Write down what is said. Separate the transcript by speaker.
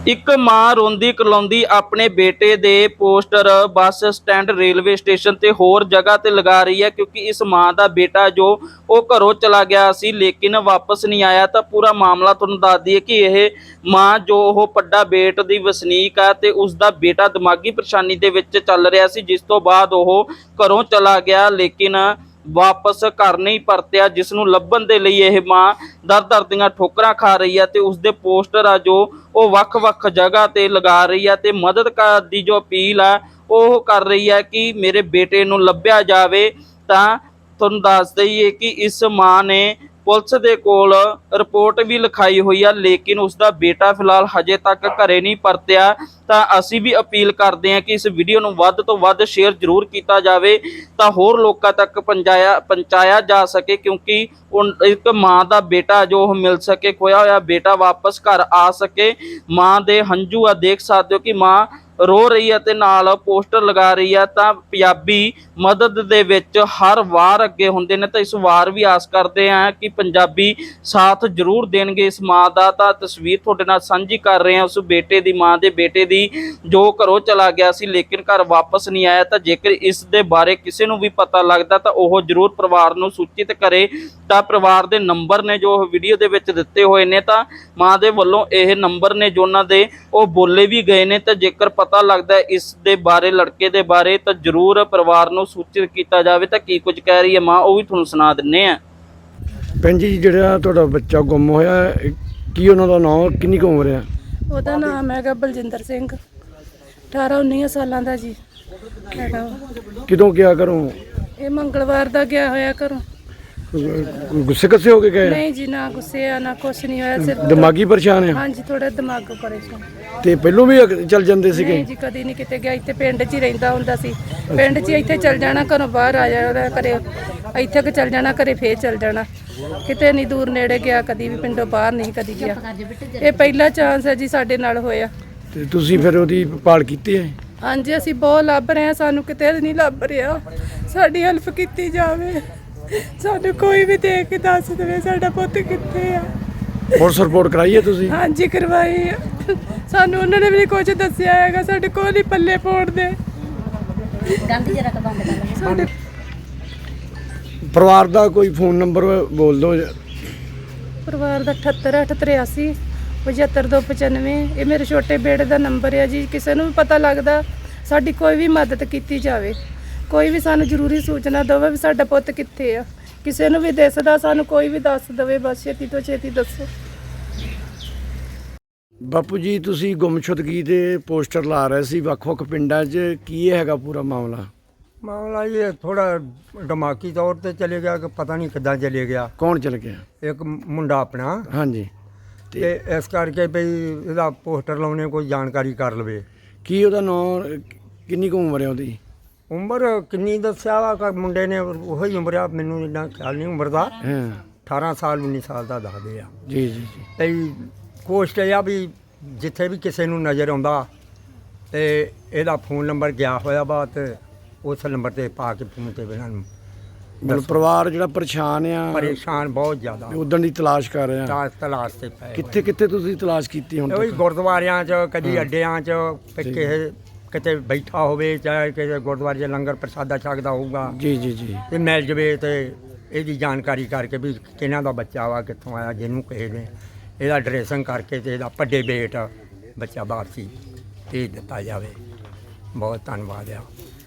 Speaker 1: ਇੱਕ ਮਾਂ ਰੋਂਦੀ ਕਰਲਾਉਂਦੀ ਆਪਣੇ ਬੇਟੇ ਦੇ poster bus stand railway station ਤੇ ਹੋਰ ਜਗ੍ਹਾ ਤੇ ਲਗਾ ਰਹੀ ਹੈ, ਕਿਉਂਕਿ ਇਸ ਮਾਂ ਦਾ ਬੇਟਾ ਜੋ ਉਹ ਘਰੋਂ ਚਲਾ ਗਿਆ ਸੀ ਲੇਕਿਨ ਵਾਪਸ ਨਹੀਂ ਆਇਆ। ਤਾਂ ਪੂਰਾ ਮਾਮਲਾ ਤੁਹਾਨੂੰ ਦੱਸ ਦਈਏ ਕਿ ਇਹ ਮਾਂ ਜੋ ਉਹ ਪੱਡਾ ਬੇਟ ਦੀ ਵਸਨੀਕ ਹੈ ਤੇ ਉਸ ਦਾ ਬੇਟਾ ਦਿਮਾਗੀ ਪਰੇਸ਼ਾਨੀ ਦੇ ਵਿੱਚ ਚੱਲ ਰਿਹਾ ਸੀ, ਜਿਸ ਤੋਂ ਬਾਅਦ ਉਹ ਘਰੋਂ ਚਲਾ ਗਿਆ ਲੇਕਿਨ ਵਾਪਸ ਘਰ ਨਹੀਂ ਪਰਤਿਆ, ਜਿਸ ਨੂੰ ਲੱਭਣ ਦੇ ਲਈ ਇਹ ਮਾਂ ਦਰ ਦੀਆਂ ਠੋਕਰਾਂ ਖਾ ਰਹੀ ਹੈ ਤੇ ਉਸਦੇ ਪੋਸਟਰ ਆ ਜੋ ਉਹ ਵੱਖ-ਵੱਖ ਜਗ੍ਹਾ ਤੇ ਲਗਾ ਰਹੀ ਹੈ ਤੇ ਮਦਦ ਦੀ ਜੋ ਅਪੀਲ ਹੈ ਉਹ ਕਰ ਰਹੀ ਹੈ ਕਿ ਮੇਰੇ ਬੇਟੇ ਨੂੰ ਲੱਭਿਆ ਜਾਵੇ। ਤਾਂ ਤੁਹਾਨੂੰ ਦੱਸ ਦਈਏ ਕਿ ਇਸ ਮਾਂ ਨੇ ਪੁਲਿਸ ਦੇ ਕੋਲ ਰਿਪੋਰਟ ਵੀ ਲਿਖਾਈ ਹੋਈ ਆ ਲੇਕਿਨ ਉਸਦਾ ਬੇਟਾ ਫਿਲਹਾਲ ਹਜੇ ਤੱਕ ਘਰੇ ਨਹੀਂ ਪਰਤਿਆ। ਤਾਂ ਅਸੀਂ ਵੀ ਅਪੀਲ ਕਰਦੇ ਹਾਂ ਕਿ ਇਸ ਵੀਡੀਓ ਨੂੰ ਵੱਧ ਤੋਂ ਵੱਧ ਸ਼ੇਅਰ ਜ਼ਰੂਰ ਕੀਤਾ ਜਾਵੇ ਤਾਂ ਹੋਰ ਲੋਕਾਂ ਤੱਕ ਪਹੁੰਚਾਇਆ ਜਾ ਸਕੇ, ਕਿਉਂਕਿ ਇੱਕ ਮਾਂ ਦਾ ਬੇਟਾ ਜੋ ਉਹ ਮਿਲ ਸਕੇ, ਖੋਇਆ ਹੋਇਆ ਬੇਟਾ ਵਾਪਸ ਘਰ ਆ ਸਕੇ। ਮਾਂ ਦੇ ਹੰਝੂ ਆ ਦੇਖ ਸਕਦੇ ਹੋ ਕਿ ਮਾਂ ਰੋ ਰਹੀ ਹੈ ਤੇ ਨਾਲ ਪੋਸਟਰ ਲਗਾ ਰਹੀ ਹੈ। ਤਾਂ ਪੰਜਾਬੀ ਮਦਦ ਦੇ ਵਿੱਚ ਹਰ ਵਾਰ ਅੱਗੇ ਹੁੰਦੇ ਨੇ, ਤਾਂ ਇਸ ਵਾਰ ਵੀ ਆਸ ਕਰਦੇ ਹਾਂ ਕਿ ਪੰਜਾਬੀ ਸਾਥ ਜ਼ਰੂਰ ਦੇਣਗੇ ਇਸ ਮਾਂ ਦਾ। ਤਾਂ ਤਸਵੀਰ ਤੁਹਾਡੇ ਨਾਲ ਸਾਂਝੀ ਕਰ ਰਹੇ ਹਾਂ ਉਸ ਬੇਟੇ ਦੀ, ਮਾਂ ਦੇ ਬੇਟੇ ਦੀ ਜੋ ਘਰੋਂ ਚਲਾ ਗਿਆ ਸੀ ਲੇਕਿਨ ਘਰ ਵਾਪਸ ਨਹੀਂ ਆਇਆ। ਤਾਂ ਜੇਕਰ ਇਸ ਦੇ ਬਾਰੇ ਕਿਸੇ ਨੂੰ ਵੀ ਪਤਾ ਲੱਗਦਾ ਤਾਂ ਉਹ ਜ਼ਰੂਰ ਪਰਿਵਾਰ ਨੂੰ ਸੂਚਿਤ ਕਰੇ। ਤਾਂ ਪਰਿਵਾਰ ਦੇ ਨੰਬਰ ਨੇ ਜੋ ਵੀਡੀਓ ਦੇ ਵਿੱਚ ਦਿੱਤੇ ਹੋਏ ਨੇ, ਤਾਂ ਮਾਂ ਦੇ ਵੱਲੋਂ ਇਹ ਨੰਬਰ ਨੇ ਜੋ ਉਹਨਾਂ ਦੇ ਉਹ ਬੋਲੇ ਵੀ ਗਏ ਨੇ। ਤਾਂ ਜੇਕਰ ਪਤਾ ਲੱਗਦਾ ਇਸ ਦੇ ਬਾਰੇ, ਲੜਕੇ ਦੇ ਬਾਰੇ, ਤਾਂ ਜ਼ਰੂਰ ਪਰਿਵਾਰ ਨੂੰ ਸੂਚਿਤ ਕੀਤਾ ਜਾਵੇ। ਤਾਂ ਕੀ ਕੁਝ ਕਹਿ ਰਹੀ ਹੈ ਮਾਂ ਉਹ ਵੀ ਤੁਹਾਨੂੰ ਸੁਣਾ ਦਿੰਨੇ ਆ।
Speaker 2: ਭੈਣ ਜੀ, ਜਿਹੜਾ ਤੁਹਾਡਾ ਬੱਚਾ ਗੁੰਮ ਹੋਇਆ, ਕੀ ਉਹਨਾਂ ਦਾ ਨਾਮ, ਕਿੰਨੀ ਕੁ ਉਮਰ ਹੈ?
Speaker 3: ਉਹਦਾ ਨਾਮ ਹੈਗਾ ਬਲਜਿੰਦਰ ਸਿੰਘ, 18-19 ਸਾਲਾਂ ਦਾ ਜੀ ਹੈਗਾ।
Speaker 2: ਕਿਦੋਂ ਗਿਆ ਘਰੋਂ?
Speaker 3: ਇਹ ਮੰਗਲਵਾਰ ਦਾ ਗਿਆ ਹੋਇਆ ਘਰੋਂ।
Speaker 2: ਗੁੱਸੇ ਕੱਸੇ ਹੋ ਕੇ ਗਏ?
Speaker 3: ਨਹੀਂ ਜੀ, ਨਾ ਗੁੱਸੇ ਆ ਨਾ ਕੁਛ ਨਹੀਂ ਹੋਇਆ, ਸਿਰਫ
Speaker 2: ਦਿਮਾਗੀ ਪਰੇਸ਼ਾਨ ਹੈ?
Speaker 3: ਹਾਂਜੀ, ਥੋੜਾ ਦਿਮਾਗ ਪਰੇਸ਼ਾਨ।
Speaker 2: ਤੇ ਪਹਿਲੋਂ ਵੀ ਚੱਲ ਜਾਂਦੇ ਸੀਗੇ?
Speaker 3: ਨਹੀਂ ਜੀ, ਕਦੀ ਨਹੀਂ ਕਿਤੇ ਗਿਆ। ਇੱਥੇ ਪਿੰਡ 'ਚ ਹੀ ਰਹਿੰਦਾ ਹੁੰਦਾ ਸੀ, ਪਿੰਡ 'ਚ ਇੱਥੇ ਚੱਲ ਜਾਣਾ, ਘਰੋਂ ਬਾਹਰ ਆ ਜਾਣਾ ਘਰੇ, ਇੱਥੇ ਕਿ ਚੱਲ ਜਾਣਾ ਘਰੇ, ਫੇਰ ਚੱਲ ਜਾਣਾ, ਕਿਤੇ ਨਹੀਂ ਦੂਰ ਨੇੜੇ ਗਿਆ, ਕਦੀ ਵੀ ਪਿੰਡੋਂ ਬਾਹਰ ਨਹੀਂ ਕਦੀ ਗਿਆ। ਇਹ ਪਹਿਲਾ ਚਾਂਸ ਹੈ ਜੀ ਸਾਡੇ ਨਾਲ ਹੋਇਆ।
Speaker 2: ਤੇ ਤੁਸੀਂ ਫਿਰ ਉਹਦੀ ਭਾਲ ਕੀਤੀ ਹੈ?
Speaker 3: ਹਾਂਜੀ, ਅਸੀਂ ਬਹੁਤ ਲੱਭ ਰਹੇ ਹਾਂ, ਸਾਨੂੰ ਕਿਤੇ ਨਹੀਂ ਲੱਭ ਰਿਹਾ, ਸਾਡੀ ਹੈਲਪ ਕੀਤੀ ਜਾਵੇ। ਸਾਨੂੰ ਕੋਈ ਵੀ ਦੇਖ ਕੇ ਦੱਸ ਦੇਵੇ ਸਾਡਾ ਪੁੱਤ ਕਿੱਥੇ ਆ।
Speaker 2: ਪੁਲਿਸ ਰਿਪੋਰਟ ਕਰਾਈ ਹੈ ਤੁਸੀਂ?
Speaker 3: ਹਾਂਜੀ, ਕਰਵਾਈ ਆ। ਸਾਨੂੰ ਉਹਨਾਂ ਨੇ ਵੀ ਕੁਝ ਦੱਸਿਆ ਹੈਗਾ, ਸਾਡੇ ਕੋਲ ਹੀ ਪੱਲੇ ਪਾਉਣ ਦੇ। ਸਾਡੇ
Speaker 2: ਪਰਿਵਾਰ ਦਾ ਕੋਈ ਫੋਨ ਨੰਬਰ ਬੋਲ ਦਿਓ।
Speaker 3: ਪਰਿਵਾਰ ਦਾ 78-883 75-295, ਇਹ ਮੇਰੇ ਛੋਟੇ ਬੇੜੇ ਦਾ ਨੰਬਰ ਹੈ ਜੀ। ਕਿਸੇ ਨੂੰ ਵੀ ਪਤਾ ਲੱਗਦਾ ਸਾਡੀ ਕੋਈ ਵੀ ਮਦਦ ਕੀਤੀ ਜਾਵੇ, ਕੋਈ ਵੀ ਸਾਨੂੰ ਜ਼ਰੂਰੀ ਸੂਚਨਾ ਦੇਵੇ ਵੀ ਸਾਡਾ ਪੁੱਤ ਕਿੱਥੇ ਆ। ਕਿਸੇ ਨੂੰ ਵੀ ਦਿਸਦਾ ਸਾਨੂੰ ਕੋਈ ਵੀ ਦੱਸ ਦੇਵੇ, ਬਸ ਛੇਤੀ ਤੋਂ ਛੇਤੀ ਦੱਸੋ।
Speaker 2: ਬਾਪੂ ਜੀ, ਤੁਸੀਂ ਗੁੰਮਸ਼ੁਦਗੀ ਦੇ ਪੋਸਟਰ ਲਾ ਰਹੇ ਸੀ ਵੱਖ-ਵੱਖ ਪਿੰਡਾਂ 'ਚ, ਕੀ ਹੈਗਾ ਪੂਰਾ ਮਾਮਲਾ?
Speaker 4: ਮਾਮਲਾ ਇਹ ਥੋੜਾ ਦਿਮਾਗੀ ਤੌਰ ਤੇ ਚਲੇ ਗਿਆ ਕਿ ਪਤਾ ਨਹੀਂ ਕਿੱਦਾਂ ਚਲੇ ਗਿਆ।
Speaker 2: ਕੌਣ ਚਲ ਗਿਆ?
Speaker 4: ਇੱਕ ਮੁੰਡਾ ਆਪਣਾ,
Speaker 2: ਹਾਂਜੀ।
Speaker 4: ਤੇ ਇਸ ਕਰਕੇ ਵੀ ਇਹਦਾ ਪੋਸਟਰ ਲਾਉਣੇ ਕੋਈ ਜਾਣਕਾਰੀ ਕਰ ਲਵੇ।
Speaker 2: ਕੀ ਉਹਦਾ ਨਾਮ, ਕਿੰਨੀ ਕੁ ਉਮਰ ਹੈ ਉਹਦੀ?
Speaker 4: ਉਮਰ ਕਿੰਨੀ ਦੱਸਿਆ ਵਾ ਕਿ ਮੁੰਡੇ ਨੇ ਉਹੀ ਉਮਰ ਆ, ਮੈਨੂੰ ਇੰਨਾ ਖਿਆਲ ਨਹੀਂ ਉਮਰ ਦਾ।
Speaker 2: ਹਾਂ,
Speaker 4: 18 ਸਾਲ 19 ਸਾਲ ਦਾ ਦੱਸਦੇ ਆ।
Speaker 2: ਜੀ ਜੀ ਜੀ।
Speaker 4: ਤੇ ਕੋਸ਼ਟ ਇਹ ਆ ਵੀ ਜਿੱਥੇ ਵੀ ਕਿਸੇ ਨੂੰ ਨਜ਼ਰ ਆਉਂਦਾ ਤੇ ਇਹਦਾ ਫੋਨ ਨੰਬਰ ਗਿਆ ਹੋਇਆ ਵਾ, ਤੇ ਉਸ ਨੰਬਰ ਤੇ ਪਾ ਕੇ ਫੋਨ ਤੇ ਇਹਨਾਂ ਨੂੰ
Speaker 2: ਮਤਲਬ ਪਰਿਵਾਰ ਜਿਹੜਾ ਪਰੇਸ਼ਾਨ ਆ,
Speaker 4: ਪਰੇਸ਼ਾਨ ਬਹੁਤ ਜ਼ਿਆਦਾ,
Speaker 2: ਉਦੋਂ ਦੀ ਤਲਾਸ਼ ਕਰ ਰਹੇ ਆ।
Speaker 4: ਤਲਾਸ਼ ਤੇ ਪਏ
Speaker 2: ਕਿੱਥੇ ਕਿੱਥੇ ਤੁਸੀਂ ਤਲਾਸ਼ ਕੀਤੀ ਹੁਣ
Speaker 4: ਉਹੀ
Speaker 2: ਤੱਕ?
Speaker 4: ਗੁਰਦੁਆਰਿਆਂ 'ਚ, ਕਦੀ ਅੱਡਿਆਂ 'ਚ, ਕਿਸੇ ਕਿਤੇ ਬੈਠਾ ਹੋਵੇ, ਚਾਹੇ ਕਿਸੇ ਗੁਰਦੁਆਰੇ 'ਚ ਲੰਗਰ ਪ੍ਰਸ਼ਾਦਾ ਛਕਦਾ ਹੋਊਗਾ,
Speaker 2: ਜੀ ਜੀ ਜੀ।
Speaker 4: ਤੇ ਮਿਲ ਜਵੇ ਤੇ ਇਹਦੀ ਜਾਣਕਾਰੀ ਕਰਕੇ ਵੀ ਕਿਹਨਾਂ ਦਾ ਬੱਚਾ ਵਾ, ਕਿੱਥੋਂ ਆਇਆ, ਜਿਹਨੂੰ ਕਿਸੇ ਨੇ ਇਹਦਾ ਡਰੈਸਿੰਗ ਕਰਕੇ ਤੇ ਇਹਦਾ ਵੱਡੇ ਬੇਟ ਬੱਚਾ ਵਾਪਸੀ ਭੇਜ ਦਿੱਤਾ ਜਾਵੇ। ਬਹੁਤ ਧੰਨਵਾਦ ਆ।